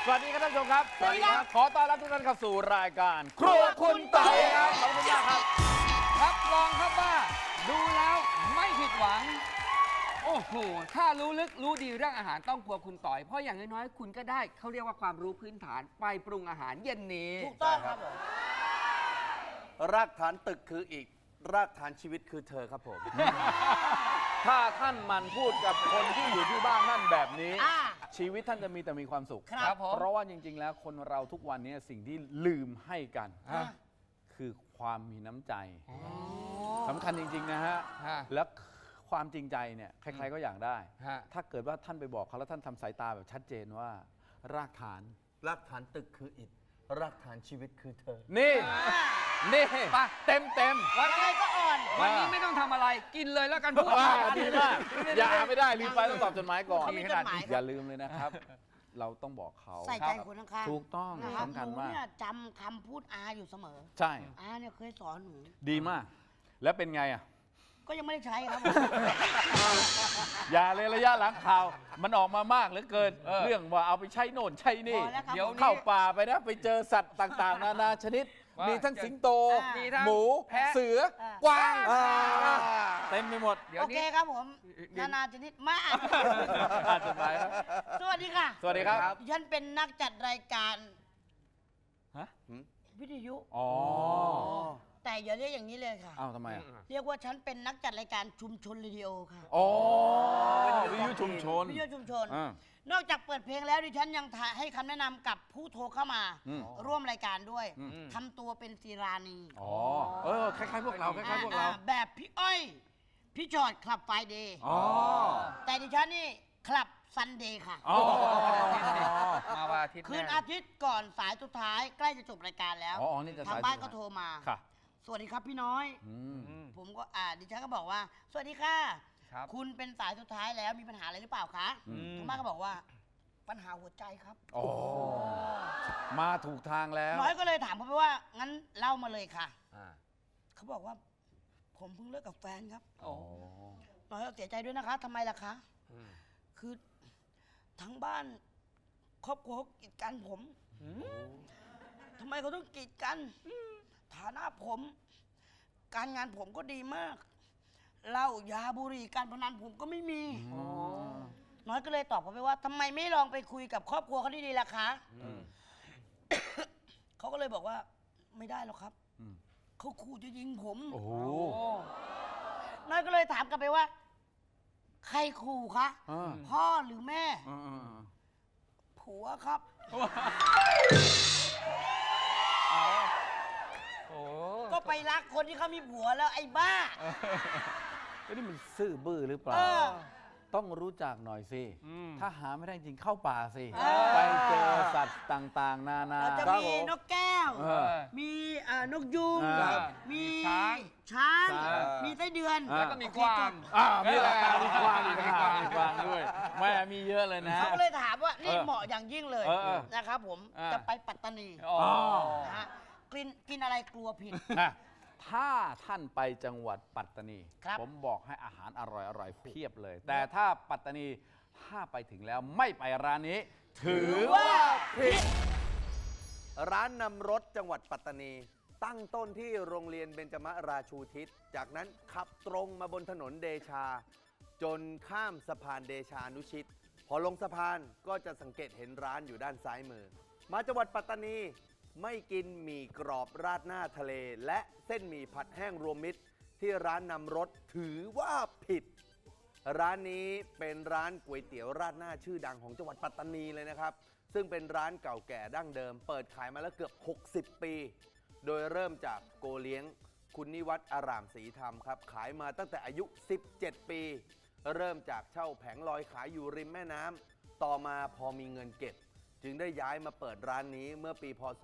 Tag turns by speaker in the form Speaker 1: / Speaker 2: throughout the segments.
Speaker 1: สวัสดีครับท่านผู้ชมครับ
Speaker 2: สวัสดีครับ
Speaker 1: ขอต้อนรับทุกท่านเข้าสู่รายการครัวคุณไต่ครับขอบคุณมากครับ
Speaker 3: รับรองครับว่าดูแล้วไม่ผิดหวัง โอ้โห ถ้ารู้ลึกรู้ดีเรื่องอาหารต้องครัวคุณต่อย เพราะอย่างน้อยๆคุณก็ได้เขาเรียกว่าความรู้พื้นฐานไปปรุงอาหารเย็นนี้
Speaker 2: ถูกต้องครับผม
Speaker 4: รากฐานตึกคืออีก รากฐานชีวิตคือเธอครับผม
Speaker 1: ถ้าท่านมันพูดกับคนที่อยู่ที่บ้านท่านแบบนี้
Speaker 2: อ่า
Speaker 1: ชีวิตท่านจะมีแต่มีความสุข
Speaker 2: ครับ
Speaker 3: ผม
Speaker 1: เพราะว่าจริง ๆ แล้วคนเราทุกวันนี้สิ่งที่ลืมให้กัน
Speaker 3: ฮะ
Speaker 1: คือความมีน้ำใจสำคัญจริง ๆ นะฮะ
Speaker 3: ฮะ
Speaker 1: แล้วความจริงใจเนี่ยใครๆก็อยากได้
Speaker 3: ฮะ
Speaker 1: ถ้าเกิดว่าท่านไปบอกเขาแล้วท่านทำสายตาแบบชัดเจนว่า รากฐาน
Speaker 4: รากฐานตึกคืออิฐ รากฐานชีวิตคือเธอ
Speaker 1: นี่นี่
Speaker 3: ไป
Speaker 1: เต็มเต็ม
Speaker 2: ยังไงก็อ่อน
Speaker 3: วันนี้ไม่ต้องทำอะไรกินเลยแล้วกันพูด
Speaker 1: ดีมากอย่าไม่ได้ลืมไปต้องตอบจดหมายก่อน
Speaker 2: เขามีจดหมายค
Speaker 1: อย่า
Speaker 2: รับ
Speaker 1: ลืมเลยนะครับ เราต้องบอกเขา
Speaker 2: ใส่ใจคนข้างๆ
Speaker 1: ถูกต้อง
Speaker 2: นะครับ
Speaker 1: สำคัญ
Speaker 2: หนู
Speaker 1: มาก
Speaker 2: เนี่ยจำคำพูดอาอยู่เสมอ
Speaker 1: ใช่
Speaker 2: อาเนี่ยเคยสอนหนู
Speaker 1: ดีมาก แล้วเป็นไงอ่ะ
Speaker 2: ก็ยังไม่ได้ใช้ครับผม
Speaker 1: อย่าเลยระยะหลังข่าว มันออกมามากเหลือเกิน เรื่องว่าเอาไปใช้โน่นใช้นี่
Speaker 2: พอแล้วครับ
Speaker 3: เดี๋ยว
Speaker 1: เข้าป่าไปนะ ไปเจอสัตว์ต่างๆ นานาชนิด
Speaker 3: ว่ามี
Speaker 1: มีทั้งสิงโต
Speaker 3: มีทั้ง
Speaker 1: หมู
Speaker 3: แพะ
Speaker 1: เสือ กวาง เต็มไปหมด
Speaker 3: เดี๋ยว
Speaker 2: โอเค
Speaker 3: นี้
Speaker 2: ครับผม
Speaker 3: เดี๋ยว
Speaker 2: นานาชนิดมาก
Speaker 1: อ่านจดหมายครับ
Speaker 2: สวัสดีค่ะ
Speaker 1: สวัสดีครับ
Speaker 2: ดิฉันเป็นนักจัดรายการ
Speaker 1: ฮะ
Speaker 2: วิทยุ
Speaker 1: อ๋อ
Speaker 2: แต่อย่าเรียกอย่างนี้เลยค่ะ
Speaker 1: อ้าวทำไมอ่ะ
Speaker 2: เรียกว่าฉันเป็นนักจัดรายการชุมชนเรดิโอค่ะ
Speaker 1: อ๋อวิทยุชุมชน
Speaker 2: วิทยุชุมชน
Speaker 1: อ่าน
Speaker 2: อกจากเปิดเพลงแล้วดิฉันยังให้คำแนะนำกับผู้โทรเข้ามา
Speaker 1: อืม
Speaker 2: ร่วมรายการด้วย
Speaker 1: อืม
Speaker 2: ทำตัวเป็นศิรานี
Speaker 1: อ๋อ คล้ายๆพวกเรา คล้ายๆพวกเรา
Speaker 2: แบบพี่อ้อย พี่จอดคลับไฟเดย์
Speaker 1: อ๋อ
Speaker 2: แต่ดิฉันนี่คลับซันเดย์ค่ะ
Speaker 1: อ๋อ
Speaker 3: มาวันอาทิตย์
Speaker 2: คืน
Speaker 3: แน่
Speaker 2: อาทิตย์ก่อนสายสุดท้ายใกล้จะจบรายการแล้ว
Speaker 1: อ๋อนี่จะ
Speaker 2: ทาง
Speaker 1: สาย
Speaker 2: บ้าน
Speaker 1: สุด
Speaker 2: ก็โทรมา
Speaker 1: ค่ะ
Speaker 2: สวัสดีครับพี่น้อย
Speaker 1: อืม
Speaker 2: ผมก็ดิฉันก็บอกว่า สวัสดีค่ะ
Speaker 3: ครับ
Speaker 2: คุณเป็นสายสุดท้ายแล้วมีปัญหาอะไรหรือเปล่าคะ
Speaker 1: อืม
Speaker 2: ทางบ้านก็บอกว่า ปัญหาหัวใจครับ
Speaker 1: โอ้มาถูกทางแล้ว
Speaker 2: น้อยก็เลยถามเขาไปว่า งั้นเล่ามาเลยค่ะ
Speaker 3: อ่า
Speaker 2: เขาบอกว่า ผมเพิ่งเลิกกับแฟนครับ
Speaker 3: โอ้
Speaker 2: น้อยก็เสียใจด้วยนะคะทำไมล่ะคะ
Speaker 3: อืม
Speaker 2: คือทั้งบ้านครอบครัวเขากีดกันผมทำไมเขาต้องกีดกัน ฐานะผม การงานผมก็ดีมากเหล้ายาบุหรี่การพนันผมก็ไม่มี น้อยก็เลยตอบเขาไปว่าทำไมไม่ลองไปคุยกับครอบครัวเขาดีๆล่ะคะ เขาก็เลยบอกว่าไม่ได้หรอกครับ
Speaker 1: อืม
Speaker 2: เขาขู่จะยิงผม
Speaker 1: โอ้โห
Speaker 2: น้อยก็เลยถามกลับไปว่า ใครขู่คะ
Speaker 1: อ่า
Speaker 2: พ่อหรือแม่
Speaker 1: อ่า
Speaker 2: ผัวครับ
Speaker 3: โอ้
Speaker 2: ก็ไปรักคนที่เขามีผัวแล้วไอ้บ้า
Speaker 1: เอ้ยนี่มันซื่อบื้อหรือเปล่า
Speaker 2: เออ
Speaker 1: ต้องรู้จักหน่อยสิ
Speaker 3: อืม
Speaker 1: ถ้าหาไม่ได้จริงเข้าป่าสิ
Speaker 2: เออ
Speaker 1: ไปเจอสัตว์ต่างๆ นานา
Speaker 2: เราจะ
Speaker 4: ครับ
Speaker 2: มี
Speaker 4: ผม
Speaker 2: นกแก้ว
Speaker 1: เออ
Speaker 2: มีนกยุง
Speaker 1: ครับ
Speaker 2: มี
Speaker 3: ช้าง
Speaker 2: ช้าง
Speaker 1: ช้าง
Speaker 2: มีไส้เดือน
Speaker 3: แล้วก็มีกวาง
Speaker 1: มีอะไรมีกวาง
Speaker 3: มี
Speaker 1: มี
Speaker 3: กวาง
Speaker 1: กวางด้วยแม่มีเยอะเลยนะ
Speaker 2: เขาก็เลยถามว่านี่
Speaker 1: เออ
Speaker 2: เหมาะอย่างยิ่งเลย
Speaker 1: เออ
Speaker 2: นะครับผม
Speaker 1: อ่า
Speaker 2: จะไปปัตตานี
Speaker 3: อ๋อ
Speaker 2: นะฮะกินอะไรกลัวผิด
Speaker 1: นะถ้าท่านไปจังหวัดปัตตานี
Speaker 2: ครับ
Speaker 1: ผมบอกให้อาหารอร่อยๆเพียบเลย แต่ถ้าปัตตานีถ้าไปถึงแล้วไม่ไปร้านนี้ ถือว่า
Speaker 4: ผิด ร้านนำรถจังหวัดปัตตานี ตั้งต้นที่โรงเรียนเบญจมราชูทิศ จากนั้นขับตรงมาบนถนนเดชา จนข้ามสะพานเดชานุชิต พอลงสะพานก็จะสังเกตเห็นร้านอยู่ด้านซ้ายมือ มาจังหวัดปัตตานีไม่กินหมี่กรอบราดหน้าทะเล และเส้นหมี่ผัดแห้งรวมมิตร ที่ร้านนำรถถือว่าผิด ร้านนี้เป็นร้านก๋วยเตี๋ยวราดหน้าชื่อดังของจังหวัดปัตตานีเลยนะครับ ซึ่งเป็นร้านเก่าแก่ดั้งเดิม เปิดขายมาแล้วเกือบ 60 ปี โดยเริ่มจากโกเลี้ยง คุณนิวัฒน์อารามศรีธรรมครับ ขายมาตั้งแต่อายุ 17 ปี เริ่มจากเช่าแผงลอยขายอยู่ริมแม่น้ำ ต่อมาพอมีเงินเก็บ จึงได้ย้ายมาเปิดร้านนี้เมื่อปีพศ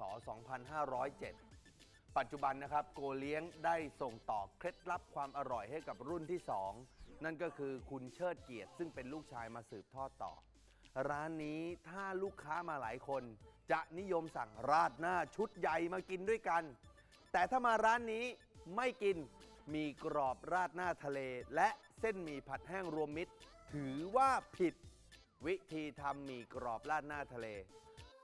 Speaker 4: 2507 ปัจจุบันนะครับโกเลี้ยงได้ส่งต่อเคล็ดลับความอร่อยให้กับรุ่นที่ 2 นั่นก็คือคุณเชิดเกียรติซึ่งเป็นลูกชายมาสืบทอดต่อ ร้านนี้ถ้าลูกค้ามาหลายคน จะนิยมสั่งราดหน้าชุดใหญ่มากินด้วยกัน แต่ถ้ามาร้านนี้ไม่กินมีกรอบราดหน้าทะเล และเส้นหมี่ผัดแห้งรวมมิตร ถือว่าผิด วิธีทำหมี่กรอบราดหน้าทะเล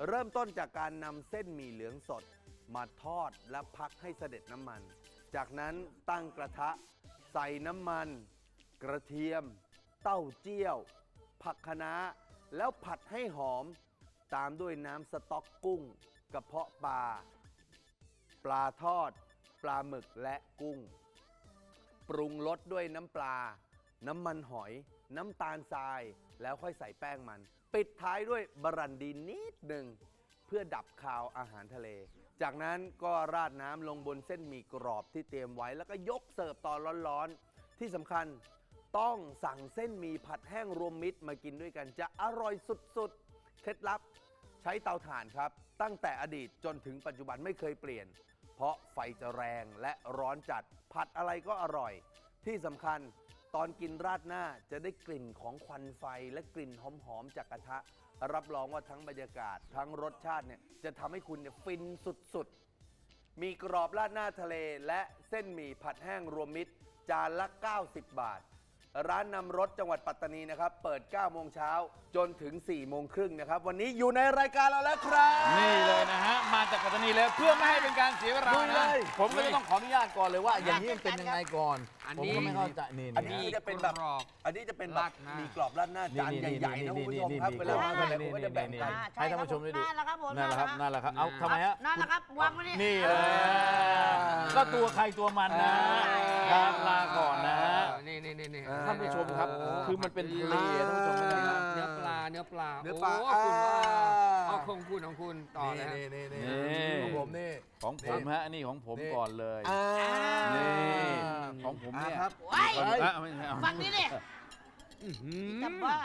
Speaker 4: เริ่มต้นจากการนำเส้นหมี่เหลืองสดมาทอดและพักให้เสด็จน้ำมัน จากนั้นตั้งกระทะใส่น้ำมัน กระเทียม เต้าเจี้ยว ผักคะน้าแล้วผัดให้หอม ตามด้วยน้ำสต๊อกกุ้ง กระเพาะปลา ปลาทอด ปลาหมึกและกุ้ง ปรุงรสด้วยน้ำปลา น้ำมันหอย น้ำตาลทราย แล้วค่อยใส่แป้งมัน ปิดท้ายด้วยบรันดีนิดหนึ่งเพื่อดับคาวอาหารทะเล จากนั้นก็ราดน้ำลงบนเส้นหมี่กรอบที่เตรียมไว้ แล้วก็ยกเสิร์ฟตอนร้อนๆ ที่สำคัญต้องสั่งเส้นหมี่ผัดแห้งรวมมิตรมากินด้วยกันจะอร่อยสุดๆ เคล็ดลับใช้เตาถ่านครับ ตั้งแต่อดีตจนถึงปัจจุบันไม่เคยเปลี่ยน เพราะไฟจะแรงและร้อนจัดผัดอะไรก็อร่อย ที่สำคัญตอนกินราดหน้าจะได้กลิ่นของควันไฟและกลิ่นหอมๆจากกระทะ รับรองว่าทั้งบรรยากาศทั้งรสชาติเนี่ยจะทำให้คุณเนี่ยฟินสุดๆ มีกรอบราดหน้าทะเลและเส้นหมี่ผัดแห้งรวมมิตรจานละ 90 บาท ร้านนำรสจังหวัดปัตตานีนะครับ เปิด 9 โมงเช้าจนถึง 4 โมงครึ่งนะครับ วันนี้อยู่ในรายการเราแล้วครับ
Speaker 1: นี่เลยนะฮะ มาจากปัตตานีเลยเพื่อไม่ให้เป็นการเสียเวลา
Speaker 4: ลุยเล
Speaker 1: นะ
Speaker 4: ย
Speaker 1: ผมก็จะต้องขออนุญาตก่อนเลยว่า อย่างนี้มันเป็นยังไงก่อน
Speaker 3: อัน
Speaker 1: ผม
Speaker 3: นี้
Speaker 1: ก็ไม่เข้าใจนี่
Speaker 4: อันนี้จะเป็นแบบ
Speaker 3: กรอบ
Speaker 4: อันนี้จะเป็นแบบ
Speaker 3: ราดหน้ามี
Speaker 4: มีกรอบราดหน้าจานใหญ่ๆนะคุณผู้ชมครับเวลามาทะเลผมก็จะแบ่งกัน
Speaker 1: ให้ท่านผู้ชมได้ดู
Speaker 2: นั่นแหละครับผม
Speaker 1: นั่นแหละครับนั่นแหละครับเอาทำไมฮะ
Speaker 2: นั่นแหละครับวางไว้นี่
Speaker 1: นี่เลยก็ตัวใครตัวมันนะครับลาก่อนนะฮะ
Speaker 3: นี่
Speaker 1: ท่านผู้ชมครับ คือมันเป็นทะเลท่านผู้ชมไม่ได้นะ
Speaker 3: เนื้อปลา
Speaker 4: เนื้อปลา
Speaker 3: โอ้คุณว่าเอาของคุณต่อเลยฮะ
Speaker 1: ของผมนี่ของผมฮะอันนี้ของผมก่อนเลย นี่ของผมเนี่ย
Speaker 4: ครับ
Speaker 2: ไว้
Speaker 1: ไม่ใช่เอา
Speaker 2: ฟังนี่ดิจำว่า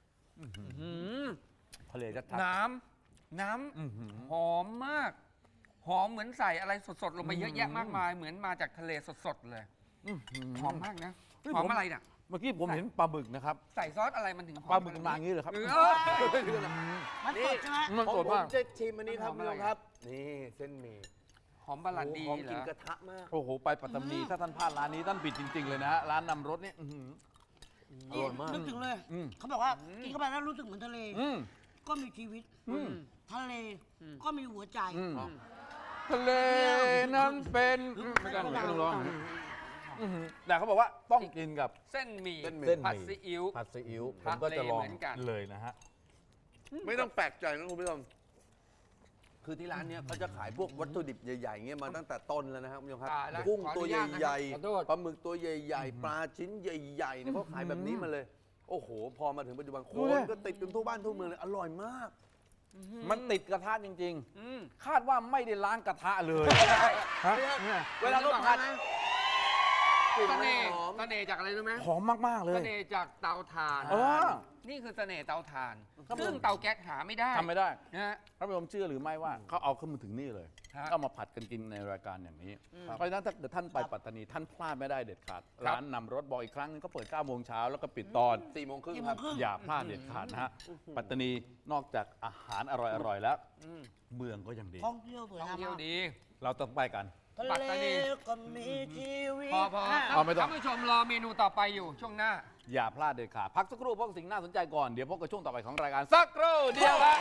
Speaker 1: ทะเลชัด
Speaker 3: น้
Speaker 1: ๆอื้อหือ
Speaker 3: ำหอมมาก หอมเหมือนใส่อะไรสดๆ ลงไปเยอะแยะมากมาย เหมือนมาจากทะเลสดๆ เลย หอมมากนะ หอมอะไรน่ะ
Speaker 1: เมื่อกี้ผมเห็นปลาบึกนะครับ
Speaker 3: ใส่ซอสอะไรมันถึงหอม
Speaker 1: ปลาบึกมันมาอย่างนี้เลยครับ
Speaker 3: เออ
Speaker 2: มันสดใช่ไหม
Speaker 1: มัน
Speaker 4: ผ
Speaker 1: สด
Speaker 4: ม
Speaker 1: มาก
Speaker 4: จะชิมอันนี้ครับ
Speaker 3: หอม
Speaker 4: คุณ
Speaker 3: อะไร
Speaker 4: ผู้ชมครับ นี่เส้นหมี่
Speaker 3: หอมบาลันดี
Speaker 4: หอม
Speaker 3: เหร
Speaker 4: กลิ่น
Speaker 3: อก
Speaker 4: ระทะมาก
Speaker 1: โอ้โห ไปปัตตานีถ้าท่านพลาดร้านนี้ท่านผิดจริง ๆ เลยนะฮะร้านนำรถเนี่ยอื้อหือ อร่อยมาก
Speaker 2: นึกถึงเลย
Speaker 1: อืม
Speaker 2: เขาบอกว่ากินเข้าไปแล้วรู้สึกเหมือนทะเล
Speaker 1: อืม
Speaker 2: ก็มีชีวิต ทะเลก็มีหัวใจ
Speaker 1: อืมทะเลนั้นเป็นไม่ต้องร้องอื้อหือแต่เขาบอกว่าต้องกินกับ
Speaker 3: เส้นหมี่
Speaker 1: เส้นหมี่
Speaker 3: ผัดซีอิ๊ว
Speaker 1: ผัดซีอิ๊วผ
Speaker 3: ทะ
Speaker 1: มก็จะลอง
Speaker 3: เลเหมือนกัน
Speaker 1: เลยนะฮะ
Speaker 4: ไม่ต้องแปลกใจนะคุณผู้ชม คือที่ร้านเนี้ยเขาจะขายพวกวัตถุดิบใหญ่ๆเงี้ยมาตั้งแต่ต้นแล้วนะครับคุณผู้ชมครับ
Speaker 3: ตายแล้ว
Speaker 4: กุ้ง
Speaker 3: ขออ
Speaker 4: ตัว
Speaker 3: นุ
Speaker 4: ใ
Speaker 3: ญาตนะครับ
Speaker 4: หญ่
Speaker 3: ขอโทษ
Speaker 4: ๆปลาหมึกตัวใหญ่ๆ ปลาชิ้นใหญ่ๆเนี่ยเขาขายแบบนี้มาเลย โอ้โห พอมาถึงปัจจุบันค
Speaker 1: ดู
Speaker 4: น
Speaker 1: ดิ
Speaker 4: ก็ติดกันทั่วบ้านทั่วเมืองเลย อร่อยมาก
Speaker 1: มันติดกระทะจริง
Speaker 3: อืม
Speaker 1: ๆ คาดว่าไม่ได้ล้างกระทะเลยฮะเนี่ย
Speaker 4: เวลาเขาผัดกลิ่น
Speaker 3: เส
Speaker 4: มัน
Speaker 3: น่ห์
Speaker 4: หอม
Speaker 3: เสน่ห์จากอะไรรู้ไหม
Speaker 1: หอมมากๆเล
Speaker 3: เส
Speaker 1: ย
Speaker 3: น่ห์จากเตาถ่าน
Speaker 1: เออ
Speaker 3: นี่คือเสน่ห์เตาถ่าน ซึ่งเตาแก๊สหาไม่ได้
Speaker 1: ทำไม่ได้
Speaker 3: นะฮะ
Speaker 1: ท่านผู้ชมเชื่อหรือไม่ว่าเขาเอาเข้ามาถึงนี่เลย
Speaker 3: ฮะ
Speaker 1: ก็มาผัดกันกินในรายการอย่างนี้ เพราะฉะนั้นถ้าเกิดท่านไปปัตตานีท่านพลาดไม่ได้เด็ดขาด ร้านนำรถบอกอีกครั้งนึงก็เปิด 9 โมงเช้าแล้วก็ปิดตอน
Speaker 4: 4 โมงครึ่ง
Speaker 2: 4
Speaker 4: ครับ
Speaker 2: โมงครึ่ง
Speaker 1: อย่าพลาดเด็ดขาดนะฮะ ปัตตานีนอกจากอาหารอร่อยๆแล้ว เมืองก็ยังดี
Speaker 2: ท่องเที่ยวสวย
Speaker 3: ท่อง
Speaker 2: งาม
Speaker 3: เที่ยว
Speaker 2: มาก
Speaker 3: ดี
Speaker 1: เราต้องไปกัน
Speaker 2: ทะ
Speaker 3: ปัตตานี
Speaker 2: เลก็มีชีวิต
Speaker 3: พอ
Speaker 1: เอาไม่ต้อง
Speaker 3: ท่านผู้ชมรอเมนูต่อไปอยู่ช่วงหน้า
Speaker 1: อย่าพลาดเด็ดขาดพักสักครู่เพราะสิ่งน่าสนใจก่อนเดี๋ยวพบกับช่วงต่อไปของรายการสักครู่เดียวครับ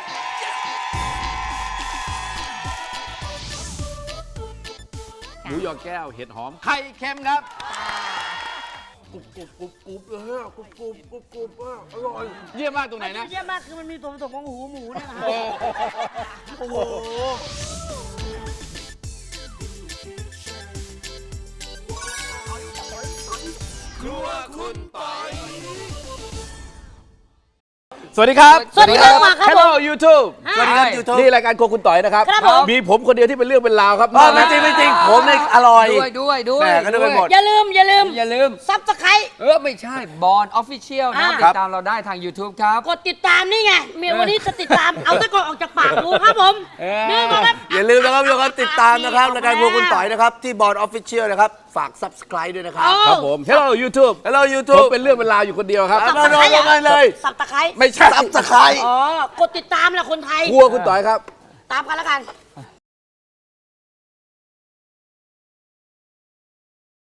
Speaker 1: หมูยอแก้วเห็ดหอมไข่เค็มครับ
Speaker 4: กรุบเลยฮะกรุบอร่อย
Speaker 1: เยี่ยมมากตรงไหน
Speaker 2: มัน
Speaker 1: นะ
Speaker 2: เยี่ยมมากคือมันมีส่วนผสมของหูหมูเนี่ยนะฮะ
Speaker 4: โอ้โห
Speaker 1: สวัสดีครับ
Speaker 2: สวัสดีครับมาครับผม
Speaker 1: Hello YouTube
Speaker 4: สวัสดีครับ YouTube
Speaker 1: นี่รายการโครัวคุณต่อยนะครับ
Speaker 2: ครับผม
Speaker 1: มีผมคนเดียวที่เป็นเรื่องเป็นราวครับ
Speaker 4: ไม่จริงไม่จริงผมเนี่ยอร่อย
Speaker 3: ด้วย
Speaker 4: แหม่ก็นึกไปหมด
Speaker 2: อย่าลืม
Speaker 3: อย่าลืม
Speaker 2: ซับสไครต์
Speaker 3: ไม่ใช่บอลออฟฟิเชียลนะ
Speaker 2: อ่า
Speaker 3: ติดตามเราได้ทาง YouTube ครับ
Speaker 2: กดติดตามนี่ไงเมียวันนี้จะติดตาม เอาตะกอนออกจากปากดูครับผมนี่มาครับ
Speaker 4: อย่าลืมนะครับทุกคนติดตามนะครับรายการพวกคุณต่อยนะครับ ที่บอร์ดออฟฟิเชียลนะครับ ฝาก subscribe ด้วยนะครับ
Speaker 1: ครับผม Hello YouTube
Speaker 4: Hello
Speaker 1: ผม
Speaker 4: YouTube
Speaker 1: เป็นเรื่องเป็นราวอยู่คนเดียวครับ
Speaker 4: มาลงกันเลย
Speaker 2: สับตะไคร้
Speaker 1: ไม่ใช่
Speaker 4: subscribe
Speaker 2: อ๋อกดติดตามแหละคนไทย
Speaker 1: ครัวคุณต่อยครับ
Speaker 2: ตามกันแล้วกัน